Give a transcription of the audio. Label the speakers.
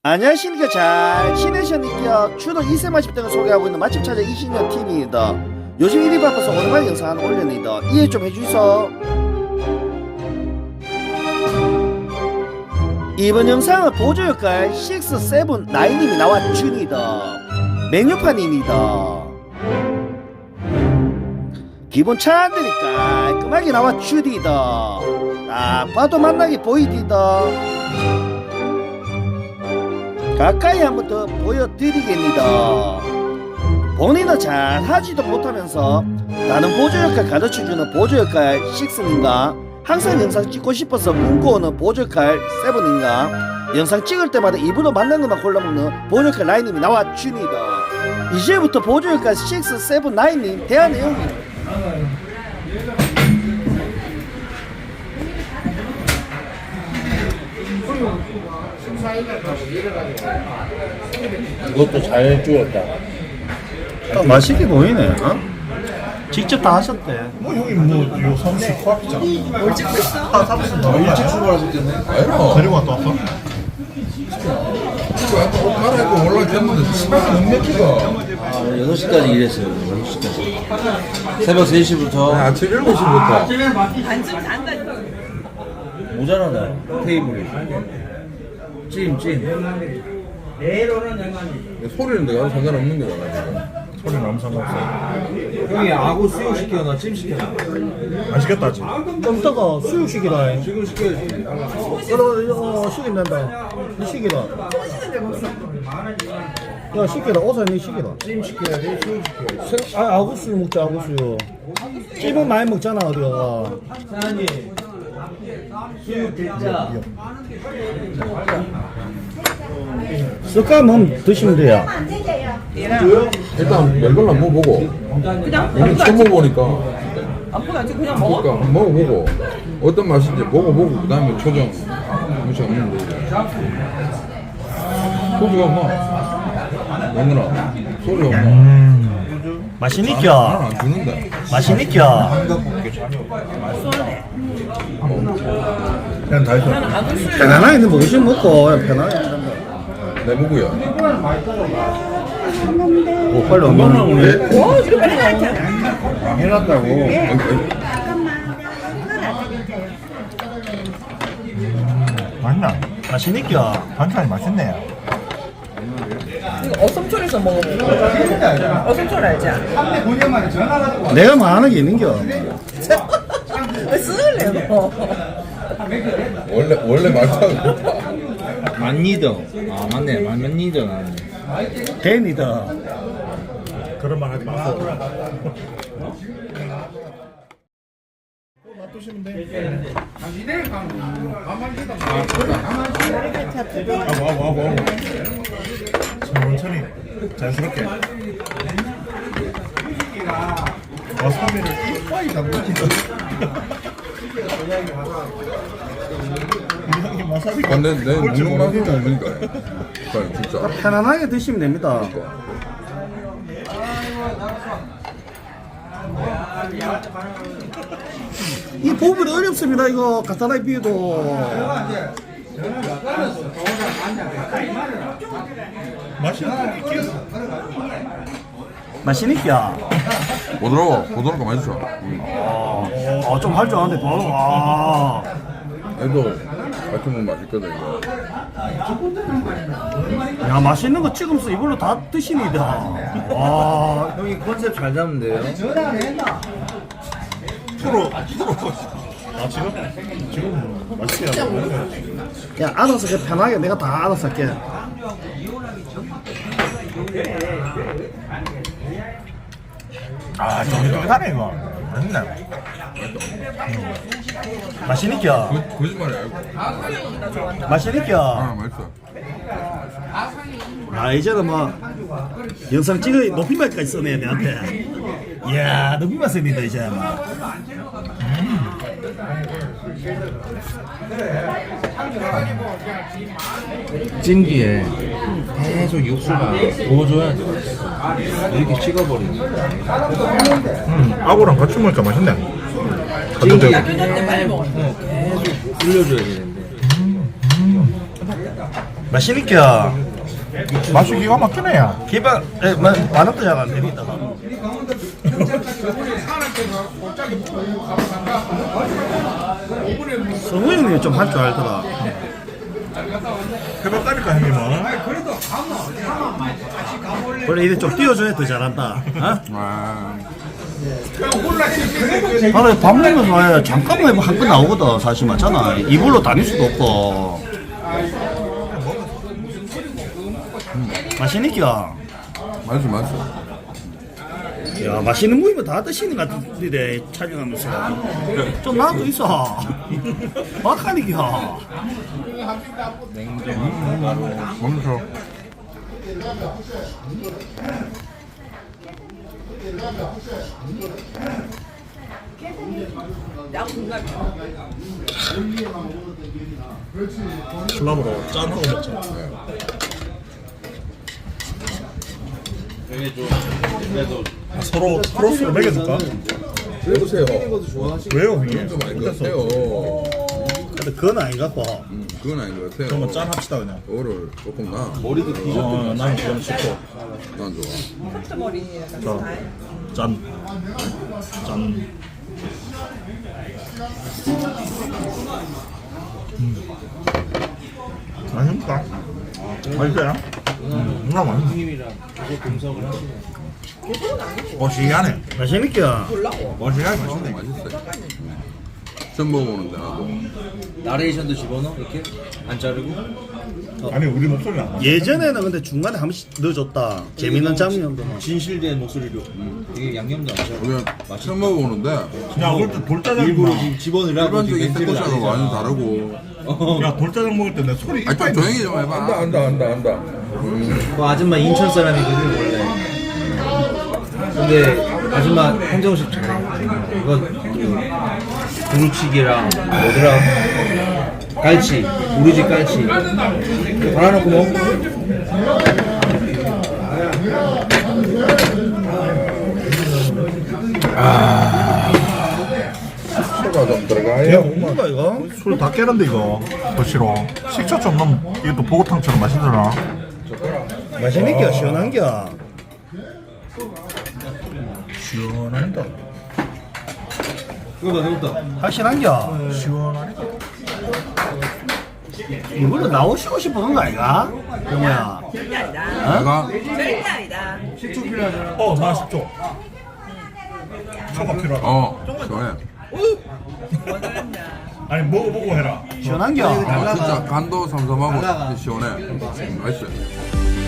Speaker 1: 안녕하십니까. 잘 지내셨니까. 추도 2세 맛집 등을 소개하고 있는 맛집 찾아 이신영 TV입니다. 요즘 일이 바빠서 오랜만에 영상 하나 올렸니다. 이해 좀 해주이소. 이번 영상은 보조역할 6, 7, 9님이 나왔주니다. 메뉴판입니다. 기본 차안들이 깔끔하게 나왔주디다. 딱 봐도 맛나게 보이디다. 가까이 한번 더 보여드리겠습니다. 본인은 잘 하지도 못하면서 나는 보조역할 가르쳐주는 보조역할 6인가, 항상 영상 찍고 싶어서 꿈꿔오는 보조역할 7인가, 영상 찍을 때마다 입으로 맞는 것만 골라먹는 보조역할 9님이 나와줍니다. 이제부터 보조역할 6, 7, 9님 대화 내용이
Speaker 2: 이것도 잘 주었다.
Speaker 1: 맛있게 보이네. 어? 직접 다 하셨대.
Speaker 2: 뭐 형이 뭐요 삼시 코앞이잖아.
Speaker 3: 뭘 찍고 있어?
Speaker 2: 일찍 출발하셨겠네. 아니라 데리고 갔다 왔어? 옷 갈아입고 올라갔는데 시간이 못 맥히가.
Speaker 4: 6시까지 일했어요. 6시까지. 새벽 3시부터
Speaker 2: 아침 7시부터.
Speaker 3: 반쯤 산다.
Speaker 4: 모자라네. 테이블이. 찜.
Speaker 2: 소리는 내가 상관없는 거잖아. 소리는 아무 상관없어.
Speaker 4: 형이 아구 수육 시켜놔, 찜 시켜놔.
Speaker 2: 안 시켰다 아직.
Speaker 1: 좀 이따가 수육식이라.
Speaker 4: 지금 시켜야지.
Speaker 1: 그럼 식인단다. 이 식이다. 야 식이다. 어서 니 식이다.
Speaker 4: 찜 시켜야 돼, 수육 시켜야지.
Speaker 1: 아 아구수육 먹자. 아구수육. 찜은 많이 먹잖아 어디가.
Speaker 4: 사장님, 수육 대짜.
Speaker 1: 습관은 드시면 돼요.
Speaker 2: 일단 멜걸 한번 먹어보고.
Speaker 3: 그냥
Speaker 2: 오늘 처음 먹어보니까.
Speaker 3: 아무거나 안 찍고 그냥 먹어?
Speaker 2: 그러니까 한번 먹어보고 어떤 맛인지 먹어보고 그 다음에 초정 무시 없는데 소주가 없나? 영근아 소주 없나?
Speaker 1: 맛있니까?
Speaker 2: 나는 안 주는데
Speaker 1: 맛있니까?
Speaker 2: 그냥 다 있어
Speaker 1: 편안하게 있는 먹으시면 먹고 그냥 편안하게.
Speaker 2: 내 무구야
Speaker 1: 오 빨리 엄마 오네.
Speaker 3: 오, 이거 빨리 나왔잖아.
Speaker 1: 해놨다고.
Speaker 5: 맛있나?
Speaker 1: 맛있니까?
Speaker 5: 반찬이 맛있네.
Speaker 3: 이거 어썸초에서 먹어보고. 어썸초를 알지?
Speaker 1: 내가 말하는 게 있는겨.
Speaker 3: 왜 쓰을래, 너?
Speaker 2: 원래 말타고
Speaker 4: 만니등. 아, 맞네. 만니등 하네.
Speaker 1: 댄이다.
Speaker 5: 그런 말 하지 마세요. 와. 천천히 자연스럽게. 와사비를 이빨이 담그니까. 형이 와사비가
Speaker 2: 내 먹는 맛은 없으니까 진짜
Speaker 1: 편안하게 드시면 됩니다. 이 부분이 어렵습니다. 이거 간단하게 비워도. 맛있니까?
Speaker 2: 보드라고 맛있어
Speaker 1: 좀 할 줄 아는데 바로 와.
Speaker 2: 애도 같이 먹으면 맛있거든 이거
Speaker 1: 야 맛있는 거 찍으면서 이걸로 다 드시니다. 와.
Speaker 4: 형이 컨셉 잘 잡는데요?
Speaker 5: 프로. 아 지금 맛있게 하고.
Speaker 1: 야 알아서 그냥 편하게 내가 다 알아서 할게.
Speaker 5: 아 쫄깃쫄깃하네 이거. 맛있네.
Speaker 1: 맛있니까?
Speaker 2: 거짓말이 알고
Speaker 1: 맛있니까?
Speaker 2: 맛있어
Speaker 1: 아 이제는 뭐 영상 찍어 높임말까지 써내 내한테. 이야 높임말 씁니다 이제.
Speaker 4: 찜기에 계속 육수가 부어줘야지. 이렇게 식어버리는 거야.
Speaker 5: 아구랑 같이 먹으니까 맛있네.
Speaker 4: 찜기에
Speaker 3: 그냥 빨리 먹어.
Speaker 4: 계속 불려줘야 되는데.
Speaker 1: 맛있니까
Speaker 5: 맛이 기가 막히네 야.
Speaker 1: 기방 만원도 잘 안 됩니다. 성우 형님 좀 할 줄 알더라.
Speaker 5: 해봤다니까 형님은.
Speaker 1: 원래 이래 좀 띄워줘야 더 잘한다. 어?
Speaker 2: 와.
Speaker 1: 나는 밥 먹으면서 왜 잠깐만 한 건 나오거든. 사실 맞잖아. 이불로 다닐 수도 없고. 맛있니까?
Speaker 2: 맛있어, 맛있어.
Speaker 1: 야, 맛있는 무이면 다 드시는 것 같은데 촬영하면서 좀 나도 있어. 막하니까.
Speaker 2: 멈춰.
Speaker 3: 야 공감.
Speaker 5: 술람으로 짠하고 먹자. 서로 크로스로 먹여줄까?
Speaker 2: 해보세요.
Speaker 5: 왜요 형님?
Speaker 2: 좀 아닌 것 같아요.
Speaker 1: 근데 그건 아닌 것 같고.
Speaker 2: 그건 아닌 것 같아요.
Speaker 5: 그러면 짠 합시다 그냥.
Speaker 2: 그거를 조금 나.
Speaker 5: 나는 그럼 싫고.
Speaker 2: 난 좋아.
Speaker 3: 카트 머리 약간
Speaker 5: 자,
Speaker 3: 스타일.
Speaker 5: 짠. 짠. 맛있다. 맛있어요? 누나 맛있네. 어시하네.
Speaker 1: 맛있니까?
Speaker 5: 어시하게 맛있네.
Speaker 2: 맛있어요. 처음 먹어보는데 나도.
Speaker 4: 나레이션도 집어넣어? 이렇게? 안 자르고?
Speaker 5: 아니 우리 목소리 안 나.
Speaker 1: 예전에는 근데 중간에 한 번씩 넣어줬다. 재밌는 장면도.
Speaker 4: 진실된 목소리로. 이게 양념도 안 자르고.
Speaker 2: 우리가 처음 먹어보는데
Speaker 5: 야 그럴 때 돌짜장
Speaker 4: 일부러
Speaker 5: 먹나?
Speaker 4: 지금 집어넣으라고
Speaker 2: 일반적인
Speaker 4: 벤치를 안
Speaker 2: 스쿼시하고 완전
Speaker 4: 했잖아.
Speaker 2: 다르고.
Speaker 5: 야 돌짜장 먹을 때 내 소리
Speaker 2: 아, 좀 조용히 좀 해봐. 안다.
Speaker 4: 그 아줌마 인천 사람이거든 원래. 근데 아줌마 한정식 잘해. 이거 그 두루치기랑 뭐더라? 깔치, 우리 집 깔치. 이거 갈아놓고 먹어.
Speaker 2: 식초가 좀
Speaker 5: 야
Speaker 2: 들어가요.
Speaker 1: 뭔가 이거?
Speaker 5: 술 다 깨는데 이거 더 싫어. 식초 좀 넣으면 이것도 보고탕처럼 맛있더라.
Speaker 1: 맛있니까? 시원한겨.
Speaker 5: 시원하니까.
Speaker 4: 이거다.
Speaker 1: 확실한겨.
Speaker 5: 시원하니까.
Speaker 1: 이걸로 나오시고 싶은 거 아이가? 그러면
Speaker 3: 절대 아니다.
Speaker 2: 내가
Speaker 3: 절대 아니다.
Speaker 5: 나 식초. 초가 필요하다.
Speaker 2: 시원해.
Speaker 5: 아니 먹어보고 해라.
Speaker 1: 시원한겨.
Speaker 2: 진짜 간도 삼삼하고 시원해. 맛있어요.